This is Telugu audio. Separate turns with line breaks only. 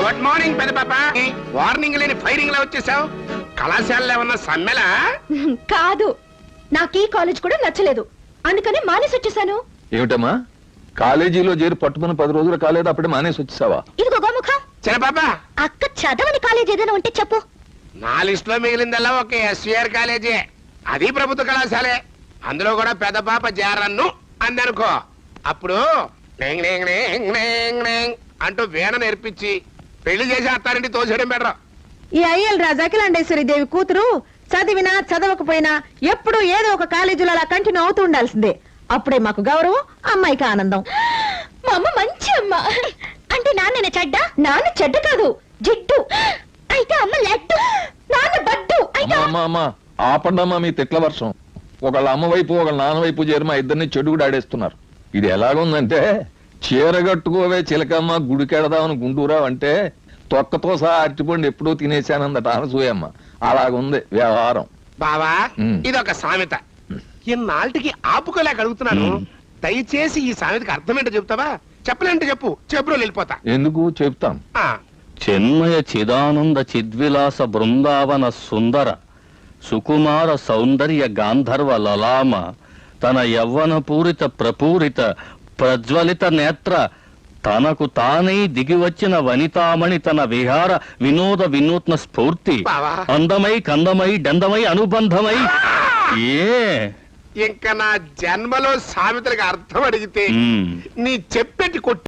గుడ్ మార్నింగ్ పెద్ద పాప. వార్నింగ్ లేని ఫైరింగ్ లా వచ్చేసావు. కళాశాలలో ఏమన్నా సమ్మెలా?
కాదు, నాకు ఈ కాలేజ్ కూడా నచ్చలేదు, అందుకని మానేసి వచ్చేసాను.
ఏమిటమ్మా, కాలేజీలో చేరి పట్టుకుని 10 రోజులు కాలేదు, అప్పుడే మానేసి వచ్చేసావా?
ఇదిగో గోముఖ,
చిన్న పాప,
అక్క చదవని కాలేజ్ ఏదైనా ఉంటే చెప్పు.
నా లిస్ట్ లో మిగిలిందల్లా ఒక ఎస్విఆర్ కాలేజీ. అది ప్రభుత్వ కళాశాలే. అందులో కూడా పెద్ద పాప జారన్ను అందనుకో, అప్పుడు నేంగ్ నేంగ్ నేంగ్ నేంగ్ నేంగ్ అంటూ వీణ నేర్పించి పెళ్లి చేసి అత్తారింటి తోసేయడం బెటర్.
ఈ అయ్యల్ రాజు అఖిలాండేశ్వరి దేవి కూతురు చదివినా చదవకపోయినా ఎప్పుడు ఏదో ఒక కాలేజీలో అలా కంటిన్యూ అవుతూ ఉండాల్సిందే. అప్పుడే మాకు గౌరవం, అమ్మాయికి ఆనందం.
మా అమ్మ మంచి అమ్మ. అంటే నాన్న చెడ్డ? నాన్న చెడ్డ కాదు, జిడ్డు. అయితే అమ్మ లడ్డు, నాన్న బడ్డు.
అమ్మా ఆపండమ్మా మీ తిట్ల వర్షం. ఒకళ్ళ అమ్మ వైపు ఒకళ్ళ నాన్న వైపు చేరి మా ఇద్దరిని చెడుగుడు ఆడేస్తున్నారు. ఇది ఎలాగుందంటే, చీరగట్టుకోవే చిలకమ్మ గుడికెడదామని గుంటూరావు అంటే తొక్కతో సహా అరటిపండు ఎప్పుడూ తినేశానందట అనసూయమ్మ. అలాగుంది వ్యవహారం.
బావా, ఇదొక సామెత. ఇన్నాళ్ళకి ఆపుకోలేక అడుగుతున్నాను. దయచేసి ఈ సామెతకి అర్థమేంటో చెప్తావా? చెప్పలేంటే చెప్పు, చెప్పులో వెళ్ళిపోతా.
ఎందుకు చెప్తాం.
చిన్మయ చిదానంద చిద్విలాస బృందావన సుందర సుకుమార సౌందర్య గాంధర్వ లలామ తన యవ్వన పూరిత ప్రపూరిత ప్రజ్వలిత నేత్ర తనకు తానే దిగివచ్చిన వనితామణి తన విహార వినోద వినూత్న స్ఫూర్తి అందమై కందమై డందమై అనుబంధమై
ఇంకా నా జన్మలో సామెతలకు అర్థం అడిగితే నీ చెప్పెట్టి కొట్టి